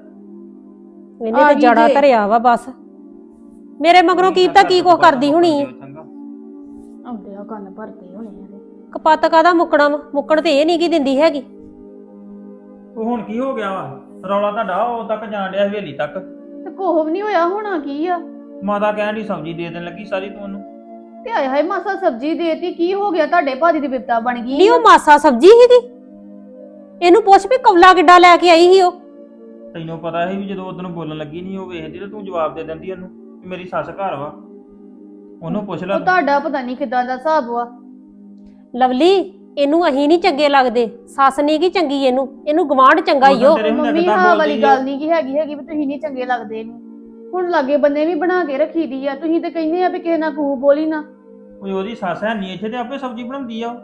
[SPEAKER 4] ਇਹਨੇ
[SPEAKER 3] ਆ
[SPEAKER 4] ਤੇ
[SPEAKER 3] ਗਈ
[SPEAKER 4] ਜੜਾ
[SPEAKER 3] ਜੇ।
[SPEAKER 4] ਧਰਿਆ ਵਾ ਬਸ। ਮੇਰੇ ਮਗਰੋਂ ਕੀ ਪਤਾ ਕੀ ਕੁਛ ਕਰਦੀ ਹੋਣੀ ਆ।
[SPEAKER 3] ਆਉਂਦੇ ਆ ਕੰਨ ਭਰਦੇ ਹੋਣੇ ਆ ਇਹਦੇ।
[SPEAKER 4] ਕਪੱਤ ਕਾਹਦਾ ਮੁੱਕਣਾ ਵਾ, ਮੁੱਕਣ ਤੇ ਇਹ ਨਹੀਂ ਕੀ ਦਿੰਦੀ ਹੈਗੀ।
[SPEAKER 5] ਉਹ ਹੁਣ ਕੀ ਹੋ ਗਿਆ ਵਾ? ਰੌਲਾ ਤੁਹਾਡਾ ਉਹ ਤੱਕ ਜਾਣ ਡਿਆ ਹਵੇਲੀ ਤੱਕ।
[SPEAKER 3] ਤੇ ਕੋਹ ਵੀ ਨਹੀਂ ਹੋਇਆ, ਹੋਣਾ ਕੀ ਆ?
[SPEAKER 5] ਮਾਤਾ ਕਹਿਣ ਦੀ ਸਬਜ਼ੀ ਦੇ ਦੇਣ ਲੱਗੀ ਸਾਰੀ ਤੂੰ ਉਹਨੂੰ।
[SPEAKER 3] ਤੇ ਆਏ ਹਾਏ ਮਾਸਾ ਸਬਜ਼ੀ ਦੇਤੀ, ਕੀ ਹੋ ਗਿਆ? ਤੁਹਾਡੇ ਭਾਜੀ ਦੀ ਬਿਪਤਾ ਬਣ ਗਈ
[SPEAKER 4] ਨਹੀਂ ਉਹ ਮਾਸਾ ਸਬਜ਼ੀ ਸੀਗੀ। ਇਹਨੂੰ ਪੁੱਛ ਵੀ ਕੌਲਾ ਕਿੱਡਾ ਲੈ ਕੇ ਆਈ ਸੀ ਉਹ।
[SPEAKER 5] ਤੈਨੂੰ ਪਤਾ ਸੀ ਵੀ ਜਦੋਂ ਉਦੋਂ ਬੋਲਣ ਲੱਗੀ ਨਹੀਂ ਉਹ ਵੇਖਦੀ ਤੇ ਤੂੰ ਜਵਾਬ ਦੇ ਦਿੰਦੀ ਉਹਨੂੰ ਕਿ ਮੇਰੀ ਸੱਸ ਘਰ ਵਾ। ਉਹਨੂੰ ਪੁੱਛ ਲੈ
[SPEAKER 3] ਉਹ ਤੁਹਾਡਾ ਪਤਾ ਨਹੀਂ ਕਿਦਾਂ ਦਾ ਹਿਸਾਬ ਵਾ।
[SPEAKER 4] ਲਵਲੀ ਇਹਨੂੰ ਅਹੀਂ ਨਹੀਂ ਚੰਗੇ ਲੱਗਦੇ, ਸੱਸ ਨਹੀਂ ਕੀ ਚੰਗੀ ਇਹਨੂੰ ਗਵਾਂਢ ਚੰਗਾ ਹੀ ਉਹ।
[SPEAKER 5] ਤੇਰੇ ਹੁੰਦੇ
[SPEAKER 3] ਮੰਮੀ
[SPEAKER 5] ਕਿੱਦਾਂ
[SPEAKER 3] ਹਾਂ
[SPEAKER 5] ਬੋਲਦੀ
[SPEAKER 3] ਵਾਲੀ
[SPEAKER 5] ਆ?
[SPEAKER 3] ਗੱਲ ਨਹੀਂ ਕੀ ਹੈਗੀ ਵੀ ਤੁਸੀਂ ਨਹੀਂ ਚੰਗੇ ਲੱਗਦੇ ਇਹਨੂੰ। ਹੁਣ ਲਾਗੇ ਬੰਨੇ ਵੀ ਬਣਾ ਕੇ ਰੱਖੀ ਦੀ ਆ, ਤੁਸੀਂ ਤੇ ਕਹਿੰਦੇ ਆ ਵੀ ਕਿਸੇ ਨਾਲ ਕੂ ਬੋਲੀ ਨਾ।
[SPEAKER 5] ਕੋਈ ਉਹਦੀ ਸੱਸ ਹੈ ਨਹੀਂ ਇੱਥੇ ਤੇ ਆਪੇ ਸਬਜ਼ੀ ਬਣਾਉਂਦੀ ਆ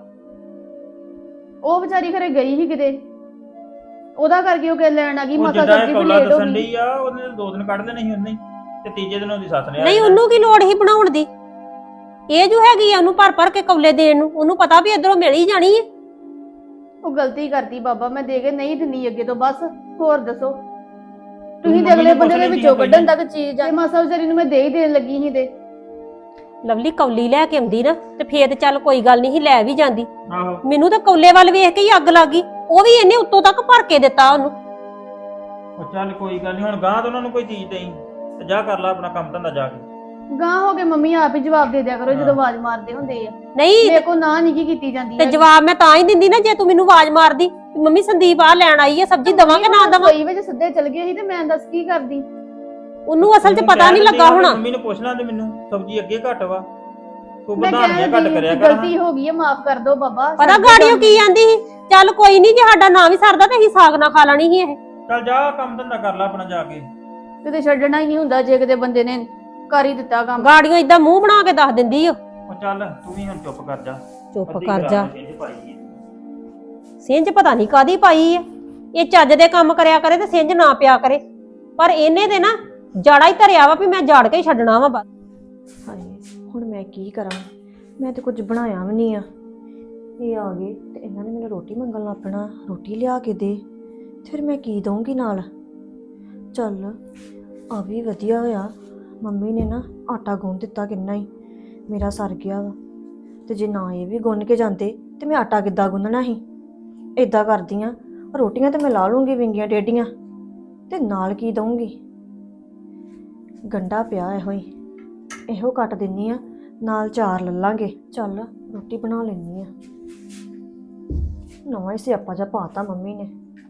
[SPEAKER 3] ਉਹ ਵਿਚਾਰੀ ਘਰੇ ਗਈ ਸੀ ਕਿਤੇ, ਉਹਦਾ ਕਰਕੇ ਉਹ ਕਿ ਲੈਣ ਆ ਗਈ।
[SPEAKER 5] ਉਹ
[SPEAKER 3] ਮਾਤਾ
[SPEAKER 5] ਜਿੱਦਾਂ
[SPEAKER 3] ਸਬਜ਼ੀ
[SPEAKER 5] ਇਹ
[SPEAKER 3] ਵੀ
[SPEAKER 5] ਕੌਲਾ
[SPEAKER 3] ਲੇਟ ਹੋ
[SPEAKER 5] ਦੱਸਣ
[SPEAKER 3] ਗਈ।
[SPEAKER 5] ਡਈ ਆ, ਉਹਨੇ 2 ਦਿਨ ਕੱਢ ਦੇਣੇ ਸੀ ਉਹਨੇ ਹੀ, ਤੇ ਤੀਜੇ ਦਿਨ ਉਹਦੀ ਸੱਸ ਨੇ
[SPEAKER 4] ਨਹੀਂ ਉਹਨੂੰ ਕੀ ਲੋੜ ਸੀ ਬਣਾਉਣ ਦੀ। ਇਹ ਜੋ ਹੈਗੀ ਆ ਉਹਨੂੰ ਭਰ ਕੇ ਕੌਲੇ ਦੇਣ ਨੂੰ, ਉਹਨੂੰ ਪਤਾ ਵੀ ਇਧਰੋਂ ਮਿਲ ਹੀ ਜਾਣੀ ਹੈ।
[SPEAKER 3] ਉਹ ਗਲਤੀ ਕਰਤੀ ਬਾਬਾ, ਮੈਂ ਦੇ ਕੇ ਨਹੀਂ ਦਿੰਦੀ ਅੱਗੇ ਤੋਂ। ਬਸ ਹੋਰ ਦੱਸੋ, ਤੁਸੀਂ
[SPEAKER 5] ਮੰਮੀ
[SPEAKER 3] ਤੇ ਅਗਲੇ
[SPEAKER 5] ਨੂੰ
[SPEAKER 3] ਬੰਦੇ
[SPEAKER 5] ਪੁੱਛ
[SPEAKER 3] ਦੇ
[SPEAKER 5] ਲੈਂਦੀ
[SPEAKER 3] ਵਿੱਚੋਂ
[SPEAKER 5] ਆ ਕੋਈ
[SPEAKER 3] ਕੱਢਣ ਤੱਕ ਚੀਜ਼ ਆ। ਮਾਸਾ ਵਿਚਾਰੀ ਨੂੰ ਮੈਂ ਦੇ ਹੀ ਦੇਣ ਲੱਗੀ ਸੀ ਤੇ
[SPEAKER 4] ਲਵਲੀ ਕੌਲੀ ਲੈ ਕੇ ਆਉਂਦੀ ਨਾ ਤੇ ਫੇਰ ਤੇ ਚੱਲ ਕੋਈ ਗੱਲ ਨਹੀਂ ਸੀ, ਲੈ ਵੀ ਜਾਂਦੀ।
[SPEAKER 5] ਆਹੋ
[SPEAKER 4] ਮੈਨੂੰ ਤਾਂ ਕੌਲੇ ਵੱਲ ਵੇਖ ਕੇ ਹੀ ਅੱਗ ਲੱਗ ਗਈ। ਉਹ ਵੀ ਇਹਨੇ ਉੱਤੋਂ ਤੱਕ ਭਰ ਕੇ ਦਿੱਤਾ ਉਹਨੂੰ।
[SPEAKER 5] ਉਹ ਚੱਲ ਕੋਈ ਗੱਲ ਨਹੀਂ, ਹੁਣ ਗਾਂ ਤੋਂ ਉਹਨਾਂ ਨੂੰ ਕੋਈ ਚੀਜ਼ ਦੇਈ ਤੇ ਜਾ ਕਰ ਲੈ ਆਪਣਾ ਕੰਮ ਧੰਦਾ ਜਾ ਕੇ।
[SPEAKER 3] ਗਾਂ ਹੋ ਕੇ ਮੰਮੀ ਆਪ ਹੀ ਜਵਾਬ ਦੇ ਦਿਆ ਕਰੋ ਜਦੋਂ ਆਵਾਜ਼ ਮਾਰਦੇ ਹੁੰਦੇ ਆ।
[SPEAKER 4] ਨਹੀਂ
[SPEAKER 3] ਮੇਰੇ ਕੋ ਨਾ ਨਹੀਂ ਕੀ ਕੀਤੀ ਜਾਂਦੀ
[SPEAKER 4] ਤੇ
[SPEAKER 3] ਹੈ।
[SPEAKER 4] ਜਵਾਬ ਮੈਂ ਤਾਂ ਹੀ ਦਿੰਦੀ ਨਾ ਜੇ ਤੂੰ ਮੈਨੂੰ ਆਵਾਜ਼ ਮਾਰਦੀ ਵੀ ਮੰਮੀ ਸੰਦੀਪ ਆ ਲੈਣ ਆਈ ਹੈ, ਸਬਜ਼ੀ ਦਵਾਂ ਕਿ ਨਾ ਦਵਾਂ।
[SPEAKER 3] ਕੋਈ ਵਿੱਚ ਸਿੱਧੇ ਚਲ ਗਏ ਸੀ ਤੇ ਮੈਂ ਦੱਸ ਕੀ ਕਰਦੀ।
[SPEAKER 4] ਉਹਨੂੰ ਅਸਲ 'ਚ
[SPEAKER 5] ਤੂੰ
[SPEAKER 4] ਪਤਾ
[SPEAKER 5] ਕਹਿ
[SPEAKER 4] ਨਹੀਂ
[SPEAKER 5] ਦਿੰਦੀ
[SPEAKER 4] ਲੱਗਾ
[SPEAKER 5] ਆ ਵੀ
[SPEAKER 4] ਹੋਣਾ।
[SPEAKER 5] ਮੰਮੀ ਨੂੰ ਪੁੱਛ ਲੈਂਦੇ ਮੈਨੂੰ, ਸਬਜ਼ੀ ਅੱਗੇ ਘੱਟ ਵਾ, ਤੂੰ
[SPEAKER 3] ਮੈਂ
[SPEAKER 5] ਵਧਾਣੀਆਂ ਘੱਟ
[SPEAKER 3] ਕਹਿੰਦੀ
[SPEAKER 5] ਕਰਿਆ ਕਰ।
[SPEAKER 3] ਗਲਤੀ ਹੋ ਗਈ ਹੈ, ਮਾਫ ਕਰ ਦਿਓ ਬਾਬਾ।
[SPEAKER 4] ਪਤਾ ਗਾੜੀਓ ਕੀ ਆਂਦੀ ਸੀ, ਚੱਲ ਕੋਈ ਨਹੀਂ ਜੇ ਸਾਡਾ ਨਾਂ ਵੀ ਸਰਦਾ ਤੇ ਅਸੀਂ ਸਾਗ ਨਾ ਖਾ ਲੈਣੀ ਸੀ ਇਹ।
[SPEAKER 5] ਚੱਲ ਜਾ ਕੰਮ ਧੰਦਾ ਕਰ ਲੈ ਆਪਣਾ ਜਾ ਕੇ।
[SPEAKER 3] ਕਿਤੇ ਛੱਡਣਾ ਹੀ ਨਹੀਂ ਹੁੰਦਾ ਜੇ ਕਿਤੇ ਬੰਦੇ ਨੇ ਕਰ ਹੀ ਦਿੱਤਾ ਕੰਮ।
[SPEAKER 4] ਗਾੜੀਓ ਇਦਾਂ ਮੂੰਹ ਬਣਾ ਕੇ ਦੱਸ ਦਿੰਦੀ ਓ।
[SPEAKER 5] ਉਹ ਚੱਲ ਤੂੰ ਵੀ ਹੁਣ ਚੁੱਪ ਕਰ ਜਾ।
[SPEAKER 4] ਚੁੱਪ
[SPEAKER 5] ਅੱਧੀ
[SPEAKER 4] ਕਰ
[SPEAKER 5] ਰਾਤ
[SPEAKER 4] ਜਾ।
[SPEAKER 5] ਨੂੰ ਛਿੰਝ ਪਾਈ ਹੈ।
[SPEAKER 4] ਸਿੰਜ ਪਤਾ ਨਹੀਂ ਕਾਦੀ ਪਾਈ ਆ। ਇਹ ਚੱਜ ਦੇ ਕੰਮ ਕਰਿਆ ਕਰੇ ਤੇ ਸਿੰਜ ਨਾ ਪਿਆ ਕਰੇ, ਪਰ ਇਹਨੇ ਤੇ ਨਾ ਜਾੜਾ ਹੀ ਧਰਿਆ ਵਾ ਵੀ ਮੈਂ ਜਾੜ ਕੇ ਹੀ ਛੱਡਣਾ ਵਾ ਬਸ।
[SPEAKER 2] ਹਾਏ ਹੁਣ ਮੈਂ ਕੀ ਕਰਾਂ, ਮੈਂ ਤੇ ਕੁਝ ਬਣਾਇਆ ਵੀ ਨਹੀਂ ਆ। ਇਹ ਆ ਗਏ ਤੇ ਇਹਨਾਂ ਨੇ ਮੈਨੂੰ ਰੋਟੀ ਮੰਗਣ ਲੱਗ ਪੈਣਾ, ਰੋਟੀ ਲਿਆ ਕੇ ਦੇ। ਫਿਰ ਮੈਂ ਕੀ ਦਊਂਗੀ ਨਾਲ? ਚੱਲ ਆ ਵੀ ਵਧੀਆ ਹੋਇਆ, ਮੰਮੀ ਨੇ ਨਾ ਆਟਾ ਗੁੰਨ ਦਿੱਤਾ ਕਿੰਨਾ ਹੀ, ਮੇਰਾ ਸਰ ਗਿਆ ਵਾ। ਤੇ ਜੇ ਨਾ ਇਹ ਵੀ ਗੁੰਨ ਕੇ ਜਾਂਦੇ ਤੇ ਮੈਂ ਆਟਾ ਕਿੱਦਾਂ ਗੁੰਨਣਾ ਸੀ? ਇਦਾਂ ਕਰਦੀ ਆ, ਰੋਟੀਆਂ ਤੇ ਮੈਂ ਲਾ ਲੂੰਗੀ ਵਿੰਗੀਆਂ ਟੇਡੀਆਂ, ਤੇ ਨਾਲ ਕੀ ਦਊਂਗੀ? ਗੰਡਾ ਪਿਆ ਇਹੋ ਕੱਟ ਦਿੰਨੀ ਆ, ਨਾਲ 4 ਲੱਲਾਂਗੇ। ਚੱਲ ਰੋਟੀ ਬਣਾ ਲੈਣੀ ਆ। ਨਵਾਂ ਹੀ ਸਿਆਪਾ ਜਿਹਾ ਪਾਤਾ ਮੰਮੀ ਨੇ।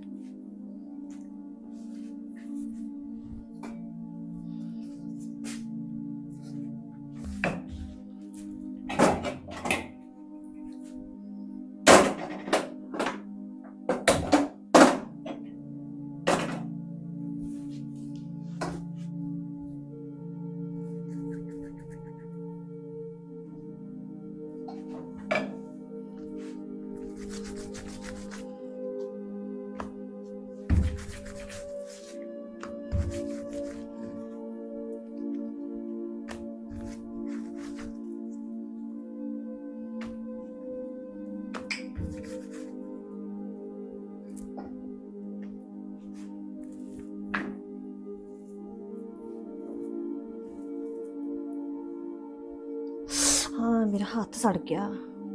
[SPEAKER 2] ਹਾਂ ਮੇਰਾ ਹੱਥ ਸੜ ਗਿਆ।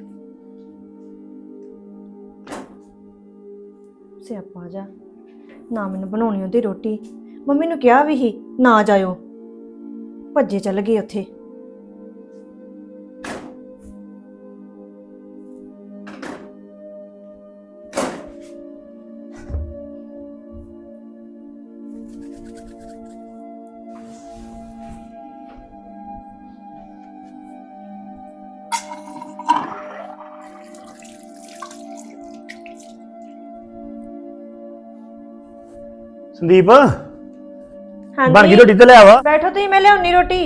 [SPEAKER 2] ਸਿਆਪਾ ਜਾ, ਨਾ ਮੈਨੂੰ ਬਣਾਉਣੀ ਉਹਦੀ ਰੋਟੀ। ਮੰਮੀ ਨੂੰ ਕਿਹਾ ਵੀ ਸੀ ਨਾ ਜਾਇਓ, ਭੱਜੇ ਚੱਲ ਗਏ ਉੱਥੇ।
[SPEAKER 1] ਸੰਦੀਪ
[SPEAKER 2] ਹਾਂਜੀ
[SPEAKER 1] ਬਣ ਗਈ ਰੋਟੀ ਤੇ ਲੈ ਆਵਾ।
[SPEAKER 2] ਬੈਠੋ ਤੁਸੀਂ, ਮੈਂ ਲਿਆਉਣੀ ਰੋਟੀ।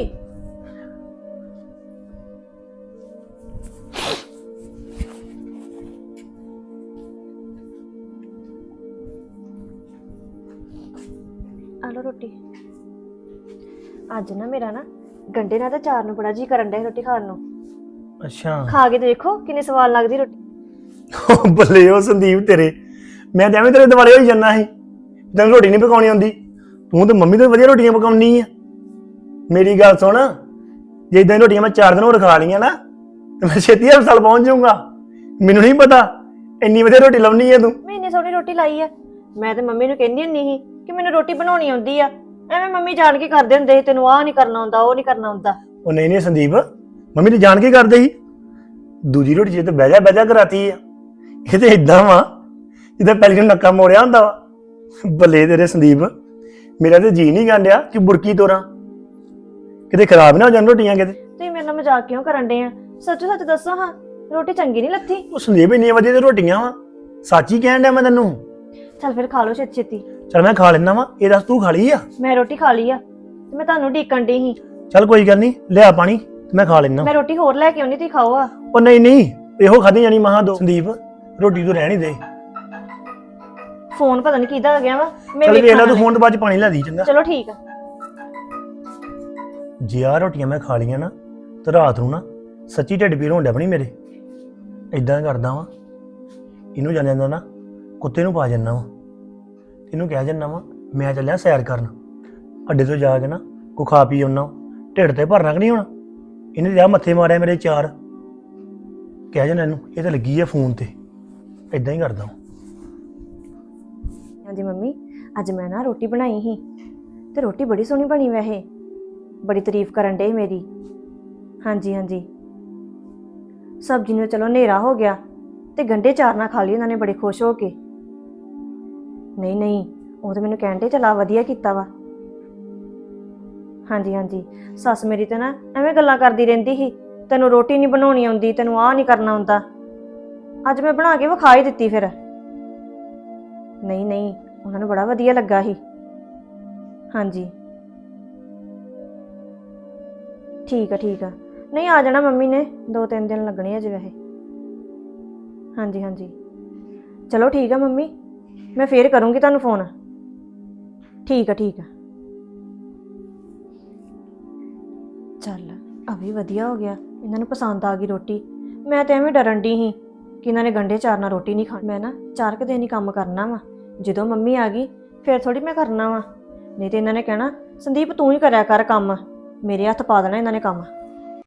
[SPEAKER 2] ਆ ਲਓ ਰੋਟੀ। ਅੱਜ ਨਾ ਮੇਰਾ ਨਾ ਗੰਡੇ ਨਾਲ ਤਾਂ ਚਾਰ ਨੂੰ ਬੜਾ ਜੀ ਕਰਨ ਡਿਆ ਸੀ ਰੋਟੀ ਖਾਣ ਨੂੰ।
[SPEAKER 1] ਅੱਛਾ
[SPEAKER 2] ਖਾ ਕੇ ਤੇ ਦੇਖੋ ਕਿੰਨੀ ਸਵਾਦ ਲੱਗਦੀ ਰੋਟੀ।
[SPEAKER 1] ਬੱਲੇ ਉਹ ਸੰਦੀਪ ਤੇਰੇ, ਮੈਂ ਤਾਂ ਐਵੇਂ ਤੇਰੇ ਦੁਆਲੇ ਹੋਈ ਜਾਂਦਾ ਸੀ ਤੈਨੂੰ ਰੋਟੀ ਨਹੀਂ ਪਕਾਉਣੀ ਆਉਂਦੀ। ਤੂੰ ਤੇ ਮੰਮੀ ਤੋਂ ਵਧੀਆ ਰੋਟੀਆਂ ਪਕਾਉਣੀ ਆ। ਮੇਰੀ ਗੱਲ ਸੁਣ, ਜੇ ਇਦਾਂ ਰੋਟੀਆਂ ਮੈਂ 4 ਦਿਨ ਹੋਰ ਖਾ ਲਈਆਂ ਨਾ ਤੇ ਮੈਂ ਛੇਤੀ ਹਸਪਤਾਲ ਪਹੁੰਚ ਜਾਊਂਗਾ। ਮੈਨੂੰ ਨਹੀਂ ਪਤਾ ਇੰਨੀ ਵਧੀਆ ਰੋਟੀ ਲਾਉਣੀ ਆ ਤੂੰ।
[SPEAKER 2] ਮੈਂ ਇੰਨੀ ਸੋਹਣੀ ਰੋਟੀ ਲਾਈ ਆ। ਮੈਂ ਤੇ ਮੰਮੀ ਨੂੰ ਕਹਿੰਦੀ ਹੁੰਦੀ ਸੀ ਕਿ ਮੈਨੂੰ ਰੋਟੀ ਬਣਾਉਣੀ ਆਉਂਦੀ ਆ। ਐਵੇਂ ਮੰਮੀ ਜਾਣ ਕੇ ਕਰਦੇ ਹੁੰਦੇ ਸੀ ਤੈਨੂੰ ਆਹ ਨਹੀਂ ਕਰਨਾ ਆਉਂਦਾ, ਉਹ ਨਹੀਂ ਕਰਨਾ ਆਉਂਦਾ।
[SPEAKER 1] ਉਹ ਨਹੀਂ ਨਹੀਂ ਸੰਦੀਪ, ਮੰਮੀ ਨੇ ਜਾਣ ਕੇ ਕਰਦੇ ਸੀ। ਦੂਜੀ ਰੋਟੀ ਜੇ ਤੇ ਬਹਿ ਜਾ ਕਰਾਤੀ ਆ। ਇਹ ਤੇ ਇਦਾਂ ਵਾ ਜਿੱਦਾਂ ਪਹਿਲੀ ਨੂੰ ਨੱਕਾ ਮੋੜਿਆ ਹੁੰਦਾ ਵਾ। ਬੱਲੇ ਤੇਰੇ ਸੰਦੀਪ, ਮੇਰਾ ਤੇ ਜੀ ਨਹੀਂ ਗੰਡਿਆ ਕਿ ਬੁਰਕੀ ਤੋਰਾਂ ਕਿਤੇ ਖਰਾਬ ਨਾ ਹੋ ਜਾਣ ਰੋਟੀਆਂ ਕਿਤੇ।
[SPEAKER 2] ਤੁਸੀਂ ਮੇਰੇ ਨਾਲ ਮਜ਼ਾਕ ਕਿਉਂ ਕਰਨ ਡੇ ਆ? ਸੱਚੋ ਸੱਚ ਦੱਸੋ ਹਾਂ, ਰੋਟੀ ਚੰਗੀ ਨਹੀਂ ਲੱਥੀ?
[SPEAKER 1] ਉਹ ਸੰਦੀਪ ਇੰਨੀਆਂ ਵਧੀਆ ਤੇ ਰੋਟੀਆਂ ਵਾ, ਸੱਚ ਹੀ ਕਹਿਣ ਡਿਆ ਮੈਂ ਤੈਨੂੰ।
[SPEAKER 2] ਚੱਲ ਫਿਰ ਖਾ ਲਓ ਛੇਤੀ ਛੇਤੀ।
[SPEAKER 1] ਚਲ ਮੈਂ ਖਾ ਲੈਣਾ ਵਾ, ਇਹ ਦੱਸ ਤੂੰ ਖਾ ਲਈ ਆ?
[SPEAKER 2] ਮੈਂ ਰੋਟੀ ਖਾ ਲਈ ਆ ਤੇ ਮੈਂ ਤੁਹਾਨੂੰ ਢੀਕਣ ਡਈ ਸੀ।
[SPEAKER 1] ਚੱਲ ਕੋਈ ਗੱਲ ਨਹੀਂ, ਲਿਆ ਪਾਣੀ ਤੇ ਮੈਂ ਖਾ ਲੈਣਾ।
[SPEAKER 2] ਮੈਂ ਰੋਟੀ ਹੋਰ ਲੈ ਕੇ ਆਉਣੀ, ਤੁਸੀਂ ਖਾਓ ਆ।
[SPEAKER 1] ਉਹ ਨਹੀਂ ਨਹੀਂ, ਇਹੋ ਖਾਧੀ ਜਾਣੀ ਮਹਾ ਦੋ। ਸੰਦੀਪ ਰੋਟੀ ਤੂੰ ਰਹਿਣ ਹੀ ਦੇ।
[SPEAKER 2] ਫੋਨ ਪਤਾ ਨਹੀਂ ਕਿਹਦਾ ਆ ਗਿਆ ਵਾ। ਮੈਂ
[SPEAKER 1] ਚੱਲ ਵੇਖ ਲੈ,
[SPEAKER 2] ਵੇਖਾਂ
[SPEAKER 1] ਤੂੰ ਫੋਨ ਤੋਂ ਬਾਅਦ ਚ ਪਾਣੀ ਲੈ ਦੀ ਚੰਗਾ।
[SPEAKER 2] ਚਲੋ ਠੀਕ ਆ।
[SPEAKER 1] ਜੇ ਆਹ ਰੋਟੀਆਂ ਮੈਂ ਖਾ ਲਈਆਂ ਨਾ ਤੇ ਰਾਤ ਨੂੰ ਨਾ ਸੱਚੀ ਢਿੱਡ ਪੀੜ ਹੋਣ ਡਿਆ ਬਣੀ ਮੇਰੇ। ਇਦਾਂ ਕਰਦਾ ਵਾਂ, ਇਹਨੂੰ ਜਾਣ ਜਾਂਦਾ ਨਾ ਕੁੱਤੇ ਨੂੰ ਪਾ ਜਾਂਦਾ ਵਾ, ਇਹਨੂੰ ਕਹਿ ਜਾਂਦਾ ਵਾ ਮੈਂ ਚੱਲਿਆ ਸੈਰ ਕਰਨ, ਅੱਡੇ ਤੋਂ ਜਾ ਕੇ ਨਾ ਕੋ ਖਾ ਪੀ ਆਉਣਾ, ਢਿੱਡ ਤੇ ਭਰਨਾ ਕਿ ਨਹੀਂ ਹੁਣ। ਇਹਨੇ ਲਿਆ ਮੱਥੇ ਮਾਰਿਆ ਮੇਰੇ 4, ਕਹਿ ਜਾਂਦਾ ਇਹਨੂੰ ਇਹ ਤਾਂ ਲੱਗੀ ਆ ਫੋਨ ਤੇ। ਇਦਾਂ ਹੀ ਕਰਦਾ ਵਾਂ।
[SPEAKER 2] ਹਾਂਜੀ ਮੰਮੀ, ਅੱਜ ਮੈਂ ਨਾ ਰੋਟੀ ਬਣਾਈ ਸੀ ਤੇ ਰੋਟੀ ਬੜੀ ਸੋਹਣੀ ਬਣੀ ਵੈਸੇ, ਬੜੀ ਤਾਰੀਫ ਕਰਨ ਡੇ ਮੇਰੀ। ਹਾਂਜੀ ਹਾਂਜੀ, ਸਬਜ਼ੀ ਨੂੰ ਚਲੋ ਹਨੇਰਾ ਹੋ ਗਿਆ ਤੇ ਗੰਢੇ ਚਾਰ ਨਾਲ ਖਾ ਲਈ ਉਹਨਾਂ ਨੇ ਬੜੇ ਖੁਸ਼ ਹੋ ਕੇ। ਨਹੀਂ ਨਹੀਂ, ਉਹ ਤਾਂ ਮੈਨੂੰ ਕਹਿਣ ਡੇ ਚਲਾ ਵਧੀਆ ਕੀਤਾ ਵਾ। ਹਾਂਜੀ ਹਾਂਜੀ, ਸੱਸ ਮੇਰੀ ਤੇ ਨਾ ਐਵੇਂ ਗੱਲਾਂ ਕਰਦੀ ਰਹਿੰਦੀ ਸੀ, ਤੈਨੂੰ ਰੋਟੀ ਨਹੀਂ ਬਣਾਉਣੀ ਆਉਂਦੀ, ਤੈਨੂੰ ਆਹ ਨਹੀਂ ਕਰਨਾ ਆਉਂਦਾ। ਅੱਜ ਮੈਂ ਬਣਾ ਕੇ ਵਿਖਾ ਹੀ ਦਿੱਤੀ ਫਿਰ। ਨਹੀਂ ਨਹੀਂ, ਉਹਨਾਂ ਨੂੰ ਬੜਾ ਵਧੀਆ ਲੱਗਾ ਸੀ। ਹਾਂਜੀ ਠੀਕ ਆ ਠੀਕ ਆ। ਨਹੀਂ ਆ ਜਾਣਾ ਮੰਮੀ ਨੇ, 2-3 ਦਿਨ ਲੱਗਣੇ ਅਜੇ ਵੈਸੇ। ਹਾਂਜੀ ਹਾਂਜੀ, ਚਲੋ ਠੀਕ ਆ ਮੰਮੀ, ਮੈਂ ਫੇਰ ਕਰੂੰਗੀ ਤੁਹਾਨੂੰ ਫੋਨ। ਠੀਕ ਆ ਠੀਕ ਆ। ਚੱਲ ਆ ਵੀ ਵਧੀਆ ਹੋ ਗਿਆ, ਇਹਨਾਂ ਨੂੰ ਪਸੰਦ ਆ ਗਈ ਰੋਟੀ। ਮੈਂ ਤਾਂ ਐਵੇਂ ਡਰਨ ਡਈ ਸੀ ਕਿ ਇਹਨਾਂ ਨੇ ਗੰਢੇ ਚਾਰ ਨਾਲ ਰੋਟੀ ਨਹੀਂ ਖਾਣੀ। ਮੈਂ ਨਾ 4 ਕੁ ਦਿਨ ਹੀ ਕੰਮ ਕਰਨਾ ਵਾ, ਜਦੋਂ ਮੰਮੀ ਆ ਗਈ ਫਿਰ ਥੋੜੀ ਮੈਂ ਕਰਨਾ ਵਾ। ਨਹੀਂ ਤੇ ਇਹਨਾਂ ਨੇ ਕਹਿਣਾ ਸੰਦੀਪ ਤੂੰ ਹੀ ਕਰਿਆ ਕਰ ਕੰਮ, ਮੇਰੇ ਹੱਥ ਪਾ ਦੇਣਾ ਇਹਨਾਂ ਨੇ ਕੰਮ।